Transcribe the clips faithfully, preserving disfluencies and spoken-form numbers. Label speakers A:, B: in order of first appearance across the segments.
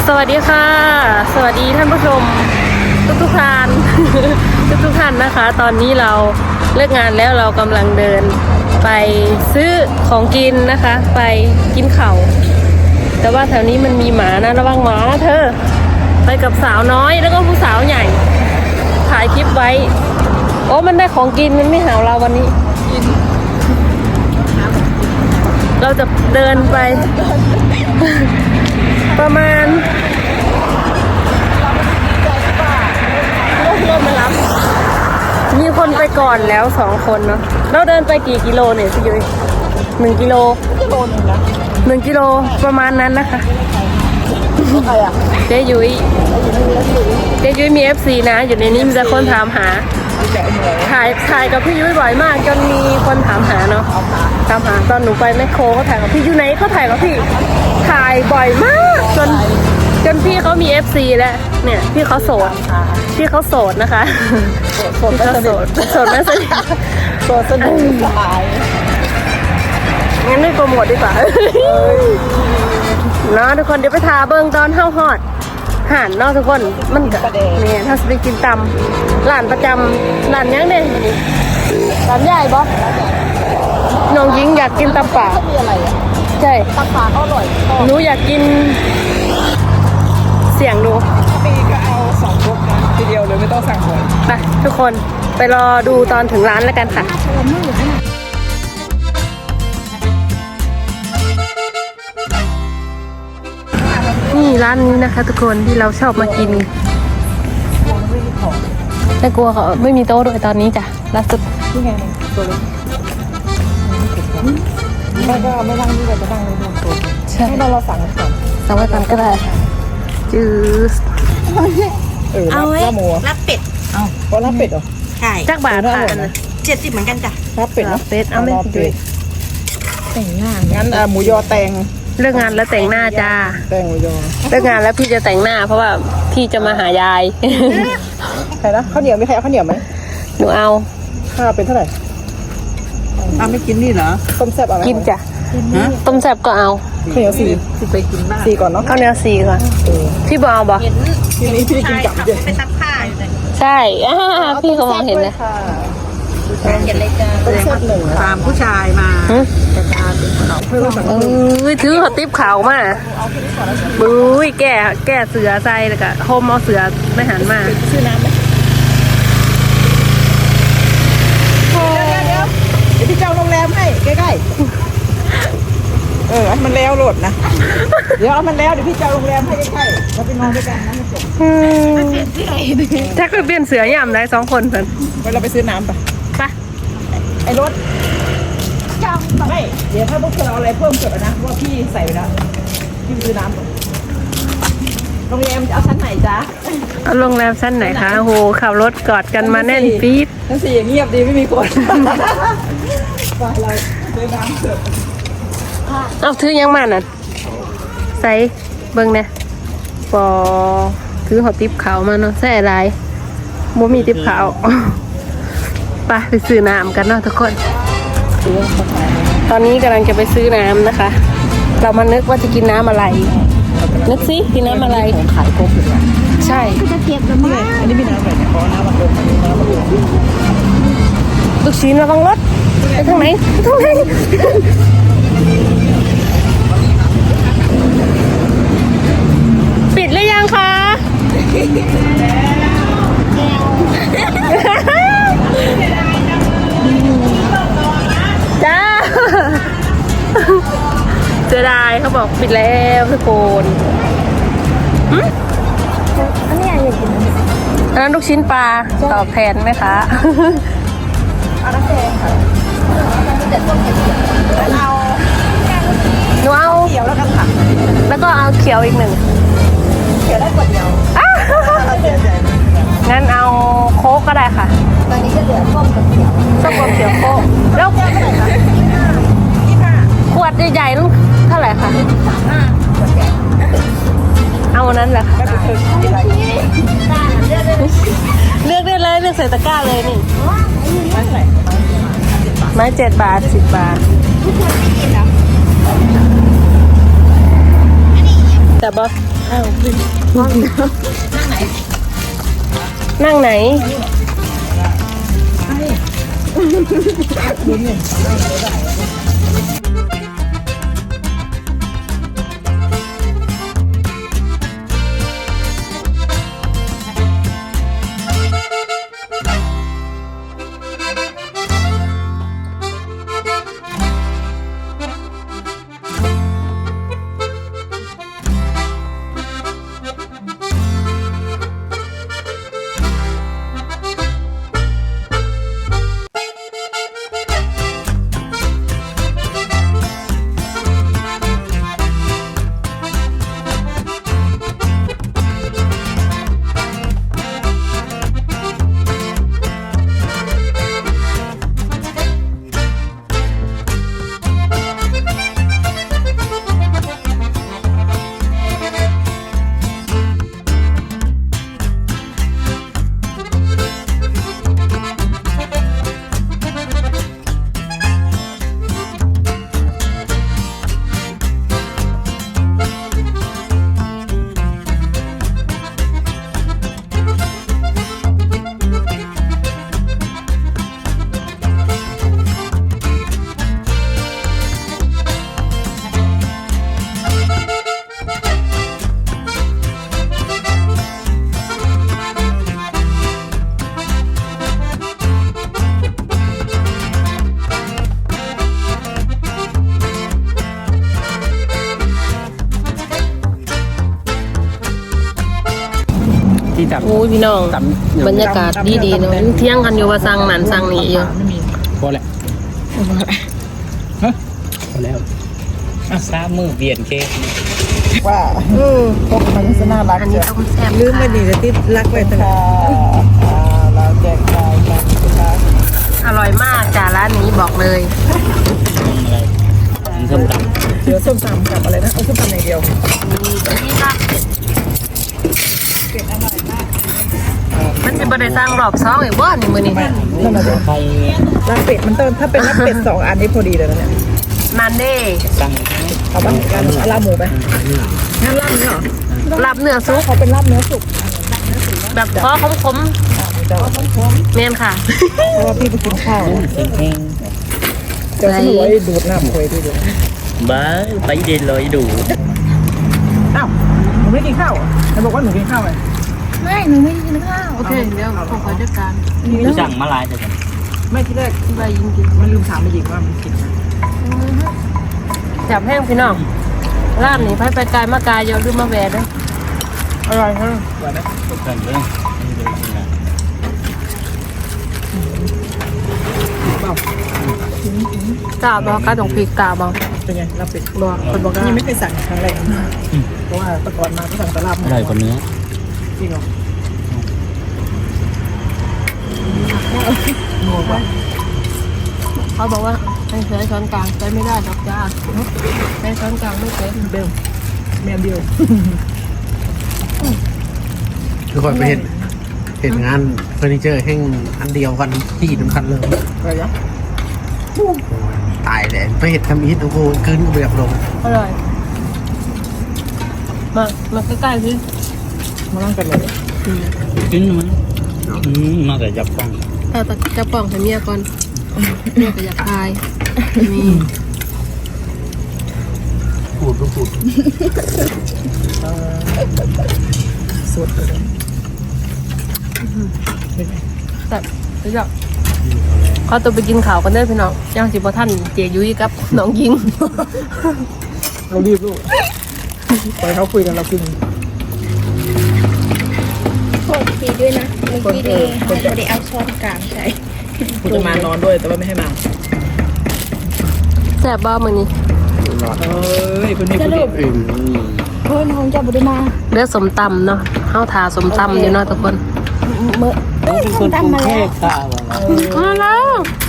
A: สวัสดีค่ะสวัสดีท่านผู้ชมทุกทุกท่าน ทุกทุกท่านนะคะ ตอนนี้เราเลิกงานแล้วเรากำลังเดินไปซื้อของกินนะคะ ไปกินข้าวแต่ว่าแถวนี้มันมีหมานะระวังหมานะเธอไปกับสาวน้อยแล้วก็ผู้สาวใหญ่ถ่ายคลิปไว้โอ้มันได้ของกินมันไม่หาเราวันนี้เราจะเดินไป ประมาณรถมารับมีคนไปก่อนแล้วสองคนเนาะเราเดินไปกี่กิโลเนี่ยพี่ยุ้ยหนึ่งกิโลกิโลนึงนะหนึ่งกิโลประมาณนั้นนะคะใครอ่ะเจ๊ยุ้ยเจ๊ยุ้ยมีเอฟซีนะอยู่ในนี้มีแต่คนถามหาถ่ายถ่ายกับพี่ยุ้ยบ่อยมากจนมีคนถามหาเนาะถามหาตอนหนูไปแมคโครเขาถ่ายกับพี่อยู่ไหนเขาถ่ายกับพี่ถ่ายบ่อยมากจนจนพี่เขามีเอฟซีแล้วเนี่ยพี่เขาโสดพี่เขาโสดนะคะโสดเขาโสดโสดไม่สนิทโสดสนิทสายงั้นไม่โปรโมทดีกว่าเนาะทุกคนเดี๋ยวไปทาเบิ้งตอนเข้าฮอดห่านเนาะทุกคนมันก็เนี่ยถ้าไปกินตำร้านประจำร้านยังเนี่ยร้านใหญ่บอสน้องหญิงอยากกินตำป่าใช่ตำป่าก็อร่อยหนูอยากกินเสียงดูปีก็เอาสองลูกนะทีเดียวเลยไม่ต้องสั่งเลยไปทุกคนไปรอดูตอนถึงร้านแล้วกันค่ะนี่ร้านนี้นะคะทุกคนที่เราชอบมากินแต่กลัวเขาไม่มีโต๊ะด้วยตอนนี้จ้ะล่าสุดนี่ไงตัวเล็กไม่ก็ไม่นั่งนี่ก็จะนั่งในโต๊ะใช่ให้เราสั่งก่อนสั่งไว้ก่อนก็ได้จืดเออเอาไว้รับเป็ดเอาเพราะรับเป็ดเหรอใช่จักบาทค่ะเจ็ดสิบเหมือนกันจ้ะรับเป็ดรับเป็ดเอาไม่เป็ดแต่งหน้างั้นหมูยอแตงเลิกงานแล้วแต่งหน้าจ้าแต่งหมูยอเลิกงานแล้วพี่จะแต่งหน้าเพราะว่าพี่จะมาหายายใครนะข้าวเหนียวมีใครเอาข้าวเหนียวไหมหนูเอาค่าเป็นเท่าไหร่อ้าไม่กินนี่เหรอต้มแซ่บเอาไหมกินจ้ะต้มแซ่บก็เอาข้าวเหนียวสี่ที่ไปกินบ้างสี่ก่อนเนาะข้าวเหนียวสี่ก่อนพี่บอลบอกทีนี้พี่กินกับเยอะไปซักผ้าอยู่เลยใช่พี่เขามองเห็นนะเห็นเลยจ้าต้มแซ่บหนึ่งตามผู้ชายมาแต่ตาเป็นขนมเพื่อนเอ้ยถือเขาติ๊บขาวมาบุ้ยแก่แก่เสือใจแล้วก็โฮมเอาเสือไม่หันมาซื้อน้ำไหมเดี๋ยวเดี๋ยวพี่เจ้าโรงแรมให้ใกล้ๆเออมันแล้วโหลดนะเดี๋ยวมันแล้วเดี๋ยวพี่เจ้าโรงแรมให้ใกล้ๆเราไปนอนด้วยกันนะไม่จบถ้าเกิดเปลี่ยนเสือย่ำได้สองคนเพื่อนไปเราไปซื้อน้ำไปไปไอ้รถจังไม่เดี๋ยวถ้าพวกเธอเอาอะไรเพิ่มเกิดนะว่าพี่ใส่ไปแล้วพี่ซื้อน้ำโรงแรมจะเอาชั้นไหนจ๊ะเอาโรงแรมชั้นไหนคะโหขับรถกอดกันมาแน่นปี๊ดชั้นสี่เงียบดีไม่มีคนไปเราซื้อน้ำเกิดเอาถือยังมาน่ะใส่เบิ้งเนี่ยปอถือหอติ๊บขาวมาเนาะใส่อะไรบ่มีติ๊บขาวไปไปซื้อน้ำกันเนาะทุกคนตอนนี้กำลังจะไปซื้อน้ำนะคะเรามานึกว่าจะกินน้ำอะไรนึกสิกินน้ำอะไรขายโค้กอยู่ใช่จะเก็บกันไหมอันนี้มีน้ำอะไรเนี่ยขอน้ำมันลงน้ำมันลงลูกชิ้นระวังรถไปทางไหนไปทางไหนปิดหรือยังคะจ้าเสียดายเขาบอกปิดแล้วทุกคนอันนี้อยากกินอันนั้นลูกชิ้นปลาตอบแทนไหมคะเอาน้ำแดงค่ะเอาหนูเอาเขียวแล้วกันค่ะแล้วก็เอาเขียวอีกหนึ่งเขียวได้กว่าเดียวงั้นเอาโค้กก็ได้ค่ะตอนนี้จะเหลือส้มกับเขียวส้มกับเขียวโค้กแล้วขวดใหญ่ๆนั่นเท่าไหร่คะเอาอันนั้นแหละค่ะเลือกได้เลยเลือกใส่ตะกร้าเลยนี่ไม้เจ็ดบาทสิบบาทแต่บอส
B: นั่งไหนโอ้ยพี่น้องบรรยากาศดีๆเนาะเที่ยงกันอยู่ว่าสั่งนั่นสั่งนี่อยู่
C: พอแล้วฮะพอแล้วอ่ะสามมือเปลี่ยนเค้ก
A: ว่า
B: อือ
A: พวกมันจะน่ารัก
B: อันนี้ต้มแซ่บ
A: ลืมไปดีจะติดรักไว้ตลอดเราแจกจ่ายกันนะคะ
B: อร่อยมากจ้าร้านนี้บอกเลย
C: อะไรส้มตำ
A: เดี๋ยวส้มตำกับอะไรนะเอาส้มตำอย่างเดียว
B: นี่อันนี้ค่ะ
A: เป็ดอร่อยมาก
B: มันจะบ่ได้สร้างรอบสองอีกบ่นี่มื้อนี้
A: นั่นแหละ
C: ใคร
A: ลาบเป็ดมันต้องถ้าเป็นลาบเป็ดสองอันนี้พอดีเลยนะเนี่ย
B: นั่นเด้
C: สั่ง
A: เอาบ้างกันเอาลาบหมูไปงั้นลาบเนื้อเหรอ
B: ลาบเนื้อสุก
A: เขาเป็นลาบเนื้อสุก
B: แบบพอคม
A: อ่าเจ้า
B: ๆแม่นค่ะ
A: เพราะว่าพี่ไปกินข้าว
C: เซ็งเซ็ง
A: เจ้าสมวยดูดน้ำคุยที่ดู
C: บ้าไปเดินลอยดู
A: อ้าวหนูไม่กินข้าวเหรอไหนบอกว่าหนูกินข้าวไง
D: ไม่หนูไม่ได้กินข้าว
B: โอเคเดี๋ยวผมขอจัดการ
C: สั่งมาลายแต่กัน
A: ไม่ที่แรก
B: ที่ว่ายิงกิน
A: มันลืมถามไปหญิงว่ามันกินไหม
B: จับแห้งพี่น้องร้านนี้ไปไปไกลมากายอย่าลืมมาแวะเด้ออร่อยค่ะ
C: สั่งเรื่องนี่เลยจริงนะ
B: กาบอกกาต้องพริกกาบอก
A: เป็นไงลาบเป็ด
B: บอกคนบอกว่า
A: ยังไม่เคยสั่งครั้งแรกเพราะว่าแต่ก่อนมาก็สั่งแต่ลาบ
C: อร่อยกว่าเนื้อ
A: จริงเหรอโง่ปะ
B: เขาบอกว่าให้ใช้ช้อนกลางใช้ไม่ได้ดอกจ้าใช้ช้อนกลางไม่เป็น
A: เบลแมนเดียว
E: คือคนไปเห็นเห็นงานเฟอร์นิเจอร์แห่งอันเดียวกันที่สำคัญเลย
A: อะไรนะ
E: ตายเลยไปเห็นทำอีทโอ้โหคืนก็แบบลง
B: อร่อยมามาใกล้ๆสิ
A: มานั่งกันเลย
C: กินมันอืมมาแต่จับฟัง
B: เออแต่จะป่องให้เมียก่อนเมียก็อยากทายนี่
E: พูดก็พูด
A: สดเลย
B: แต่เดี๋ยวเขาตัวไปกินข้าวกันเด้อพี่น้องย่างสิบ่ท่านเจยุ้ยกับน้องยิง
A: เรารีบลูกไปเขาคุยกันเรากิน
D: โทษทีด้วยนะเมื่อกี้ดีไม่ได้เอาช้อนกลางใส่
A: คุณจะมานอนด้วยแต่ว่าไม่ให้มา
B: แซ่บบ้ามื้อนี้
A: เอ้ยคุณนี่คุณนี่
E: อืม
D: เพื่อนของเจ้าบุตรมา
B: เลือดสมตำเนาะเฮาทาสมตำอยู่เนาะทุกคน
D: เมื่อเอ้ย
C: เป็นค
D: ส้ม
C: นกรุง
D: ตำมา
C: เท
D: แล้ว
C: พค่ะว่า
B: มาแล้ว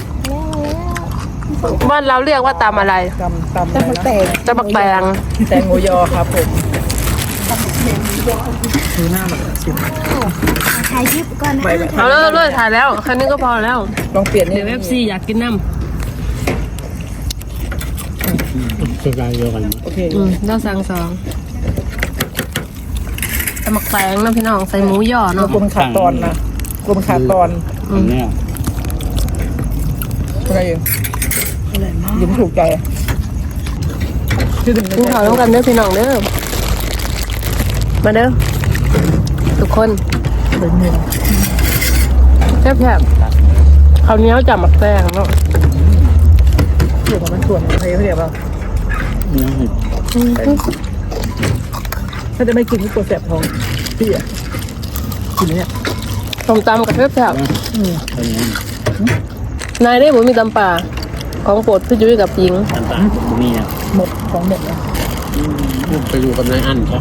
D: แล้ว
B: บ้านเราเรียกว่าตำอะไร
A: ตำตำอะไรนะ
B: ตำบักแตง
A: แตงโมยอครับผมดูหน้ามันสิ
D: ถ่ายคลิปก่อนนะ
A: ไปแบบ
B: เอาเลยเอาเลยถ่ายแล้วแค่นี้ก็พอแล้ว
A: ลองเปลี่ยนนี่
B: เดี๋ยวเอฟซีอยากกินน้
E: สกายเดียวกัน
A: โอเค
B: ำอืมเราสั่งสองหมักแตงนะพี่น้องใส่หมูย่อ
A: เรา
B: เนาะ
A: กลัวมันขาดตอนนะกลัวมันขาดตอน
C: อันเนี้ย
A: อะไรเองยิ้มถูกใจชื่อถึง
B: กินข้าวร่วมกันเด้อพี่น้องเด้อมาเด้อทุกคน
A: เป็นเมีย
B: แซ่บๆข้าวเหนียวจับหมักแตงเนาะ
A: เกี่ยวกับมันส่วนอะไรเขาเรียกว่า
C: เนื้อเห็ด
A: ถ้าจะไม่กินก็กลัวแสบท้องพี่อ่ะกินเนี่ย
B: ต้มตำกับแซ่บ
C: อันนี้
B: ๆนายได้ผมมีตำป่าของโปรดพี่ยุ้ยกับยิง
C: อันต่างมีนะ
A: หมดของหมดแล้ว
E: ไปอยู่กับนายอันใช่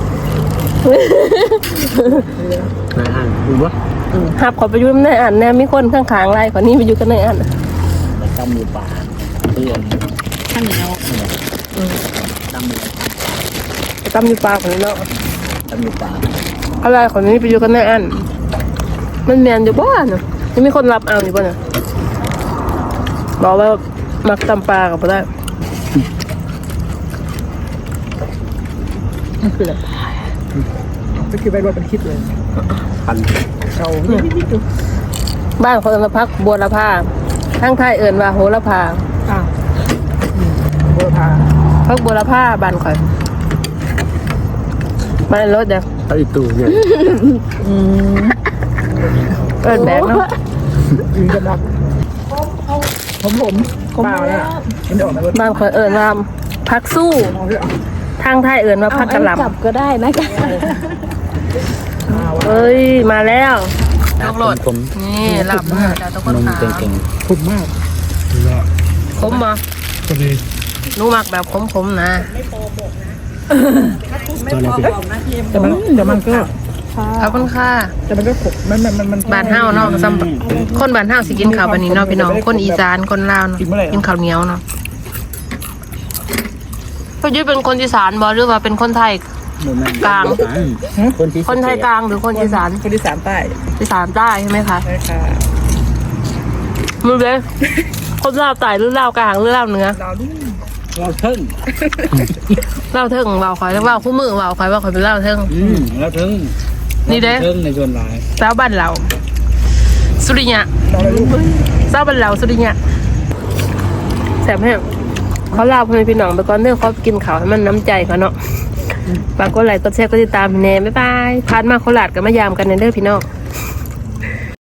E: นายอันดูวะ
B: หับขอไปอยุ่ในอ่านแน่มีคนข้างๆไรขอนี่ไปอยู่กันในอ่าน
C: ไปตำมือปลาเพื่อน
D: ข้าวเหนียว
C: ตำมือ
B: ไปตำอยู่ปลาคนนี้เนาะ
C: ตำมือปลา
B: อะไรขอนี้ไปอยู่กันในอ่านมันแมนอยู่บ้านเนาะยังมีคนรับเอาอยู่บ้านเนาะบอกว่ามักตำปลากับบ่ได้
A: นั่นคืออะไรก็คือไปรถเป็นคิดเลย
E: พัน
A: เอาเนี่ยพี่ดู
B: บ้านคนละพักบัวละพาทั้งไทยเอิ่นว่าโหระพา
A: อ้าวโบราณ
B: พักบัวละพาบ้านข่อยบ้านรถเด้อ
E: ไอ้ตู่เนี่ย
A: อืม
B: เอิ้นแบกเนาะ
A: ยืนกันรับผมผมเปล่าเนี่ยมันจะออกมา
B: บ้านข่อยเอิ่นว่าพักสู้
A: เอาเถอะ
B: ทางไทยเอิ่นว่าพักกะหล่ำ
D: จับก็ได้นะจ๊ะ
A: เอา
B: เอ้ยมาแล้วลูกโหลด
C: ผม
B: นี่หลับมาจากทุกคน
C: นม
B: ขา
C: เก่ง
A: คุ้มมาก
B: คมบ่
E: ก็เลย
B: หนูมักแบบคมๆนะ
C: ๆตัวนี้เป็น
A: แต่มันแต่มันก็
B: ขอบคุณค่ะ
A: แต่มันก็ขบมันมันมันมัน
B: บ้านเฮาเนาะซ้ำคนบ้านเฮาสิกินข้าวบัดนี้เนาะพี่น้องคนอีสานคนลาวเนาะกินข้าวเหนียวเนาะพี่ยุ้ยเป็นคนอีสานบ่หรือว่าเป็นคนไทย กลาง
C: คนที่
B: คนไทยกลางหรือคนอีสาน
A: คนที่สามใต้
B: อีสานใต้ใช่ไหมคะ
A: ใช่ค่ะ
B: มือเด้คนลาวใต้หรือลาวกลางหรือลาวเหนือ
A: ดาวดิ
C: เราเทิง
B: ลาวเทิงเว้าข่อยแล้วเว้าคู่มือเว้าข่อยว่าข่อยเป็นลาวเทิง
C: อืมเราเทิง
B: นี่เด้
C: เทิงในส่วนหลาย
B: สาวบ้านเราสุริยะ
A: ดาวอะไรลูก
B: สาวบ้านเราสุริยะแซ่บแห้งเขาลาวพ่อแม่พี่น้องไปก่อนเด้อเขากินข้าวให้มันน้ำใจเขาเนาะฝากกดไลค์กดแชร์กดติดตามพี่แน่บ๊ายบายผ่านมาโคราชก็มายามกันเด้อพี่น้อง